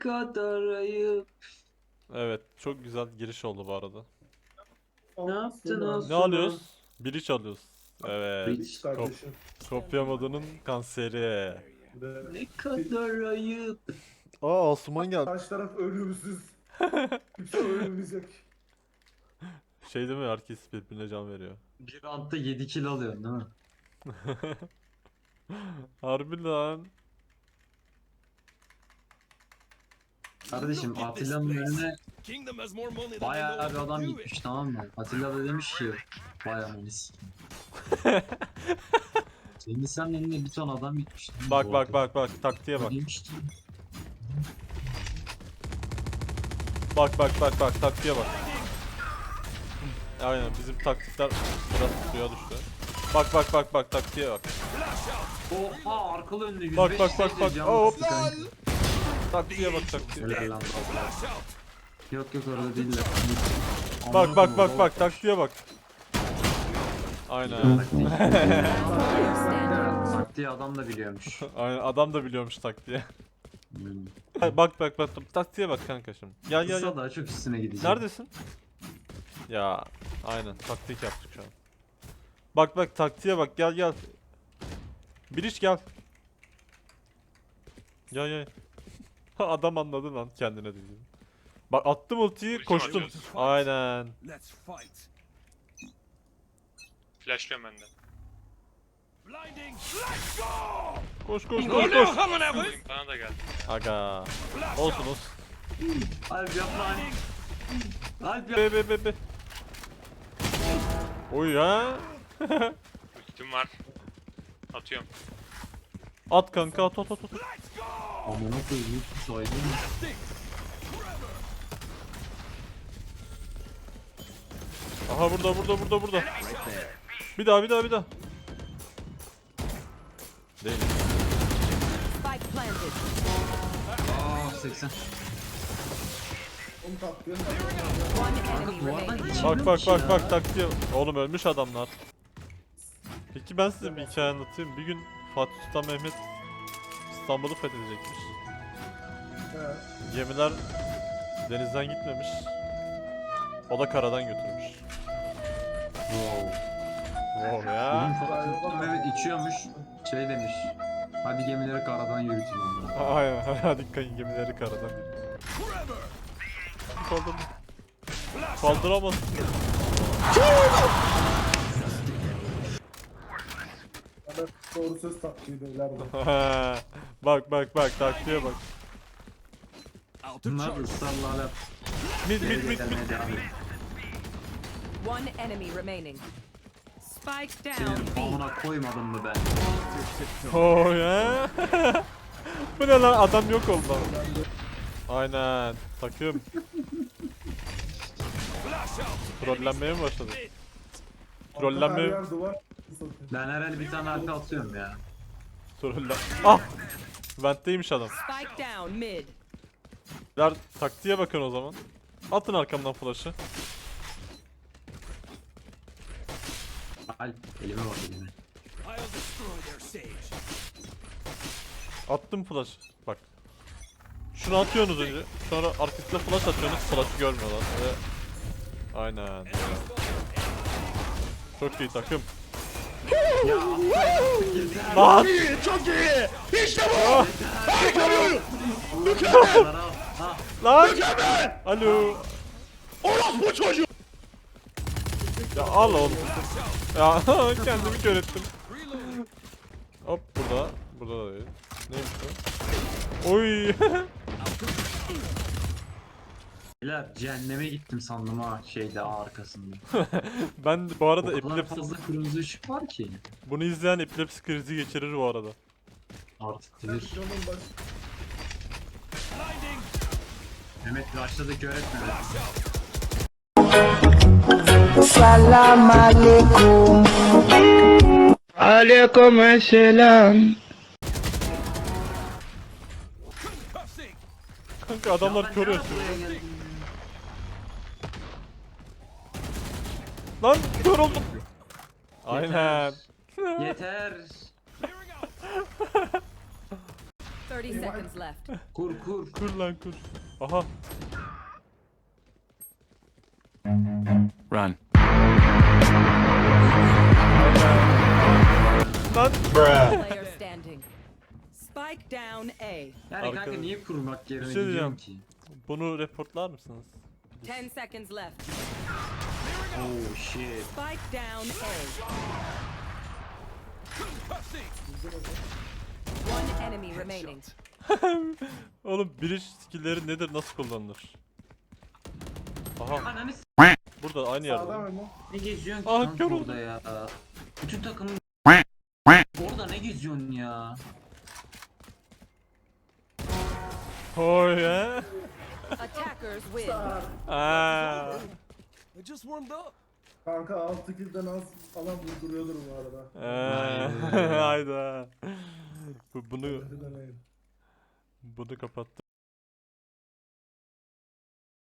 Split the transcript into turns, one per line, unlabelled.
kadar ayıp.
Evet, çok güzel giriş oldu bu arada.
Ne yaptın
Ne
Osman?
alıyoruz? Bridge alıyoruz. Evet.
Bridge.
Kardeşim.
Kopya modunun kanseri.
Ve
Ne kadar ayıp.
Aa, Asuman geldi.
karşı taraf ölümsüz. Kimse ölmeyecek.
Şey değil mi? Herkes birbirine can veriyor.
Bir roundda 7 kill alıyorsun değil mi?
Harbi lan.
Kardeşim Atilla'nın önüne bayağı bir adam gitmiş, tamam mı? Atilla da demiş ki vay ananı sikeyim. Senin önüne bir ton adam gitmiş. değil mi
Bak
bu
bak
arada?
bak bak taktiğe bak.
Demiş ki,
Bak bak bak bak taktiğe bak. Aynen bizim taktikler biraz suya düştü. Bak bak bak bak taktiğe bak.
oha arkalı önlü 105
Bak, bak, bak,
seyirci
bak.
canı
Hop.
sıktı kanka.
Taktiğe bak taktiğe.
Helal lan baba. Yok yok orada değiller.
Bak bak bak bak taktiğe bak. Aynen.
Taktiği adam da biliyormuş.
Aynen adam da biliyormuş taktiği.
Hmm.
Bak bak bak taktiğe bak kanka şimdi. Gel gel
Kısa
gel.
daha çok üstüne gidecek.
Neredesin? Ya aynen taktik yaptık şu an. Bak bak taktiğe bak gel gel. Bir iş gel. Gel gel. Adam anladı lan kendine dediğini. Bak attım ultiyi koştum. Aynen.
Flashlıyorum ben de.
Koş koş koş koş.
Bana da geldi.
Aga. Olsun olsun.
Alp yapma Alp. Alp yap.
Be. Oy ya.
Ultim var. Atıyorum.
At kanka at at at at.
Amına koyayım saydın mı?
Aha burada. Bir daha. Değil.
Spike planted.
Aa 80.
Onu tatlıyor.
One enemy
Duvardan
remaining.
geçilmiyormuş
Bak taktiğe. Oğlum ölmüş adamlar. Peki ben size bir hikaye anlatayım. Bir gün Fatih Sultan Mehmet İstanbul'u fethedecekmiş. Gemiler denizden gitmemiş. O da karadan götürmüş.
Wow.
Wow
Bugün
ya.
Fatih Mehmet içiyormuş. Şey demiş. Hadi gemileri karadan yürütün onları.
Aynen hadi kayın gemileri karadan. Kaldır. Kaldıramaz.
Bana doğru söz taktiği derler de.
bak taktiğe bak.
Bunlar ısrarla hala
Mid
demeye devam ediyor.
One enemy remaining. Spike down
Senin
B.
amına koymadım mı ben?
Oh ya. Bu ne lan adam yok oldu. Aynen takım. Trollenmeye mi başladı?
Her
Trollenmeye
yer duvar.
Ben herhalde bir tane harfi atıyorum ya.
trollen. Ah! Vent'teymiş adam.
Spike down mid.
Ver taktiğe bakın o zaman. Atın arkamdan flash'ı.
Alp elime bak elime.
Attım flash. Bak. Şunu atıyorsunuz önce. Sonra arkasına flash atıyorsunuz. Flash'ı görmüyorlar. Ve... Aynen. Çok iyi takım. Lan!
Çok iyi.
Lan! Alo! Ya al oğlum. Ya kendimi kör ettim. Hop burada. Burada da değil. Neymiş bu? Oy!
Beyler cehenneme gittim sandım ha şeyde arkasında.
Ben bu arada
O kadar
epilepsi...
fazla kırmızı ışık var ki.
Bunu izleyen epilepsi krizi geçirir bu arada.
Artık bilir.
Canım baş.
Mehmet başladık öğretmen.
Salam alaikum. Alaikum selam.
Kanka adamlar kör atıyor. Lan kör oldum. Aynen.
Yeter.
30 seconds left.
Kur kur.
Kur lan kur. Aha.
Run.
Lan.
Player standing. Spike down A.
Yani kanka
Arkada-
niye kurmak yerine
Bir şey
gidiyorum
diyeceğim.
ki?
Bunu reportlar mısınız?
10 seconds left.
Oh shit.
Spike down A. One enemy remaining.
Oğlum bridge skill'leri nedir, nasıl kullanılır? Aha,
Ananı s***
burada aynı yerde.
Sağda mı?
ne geziyorsun ki
Ah,
kanka
kör
orada ya? Bütün takımın orada ne geziyorsun ya?
Hoy ya.
Attackers win.
Aa.
Kanka 6 kill'den az alan vurduruyordur bu arada.
Hayda. Bunu
Hadi deneyin.
kapattı.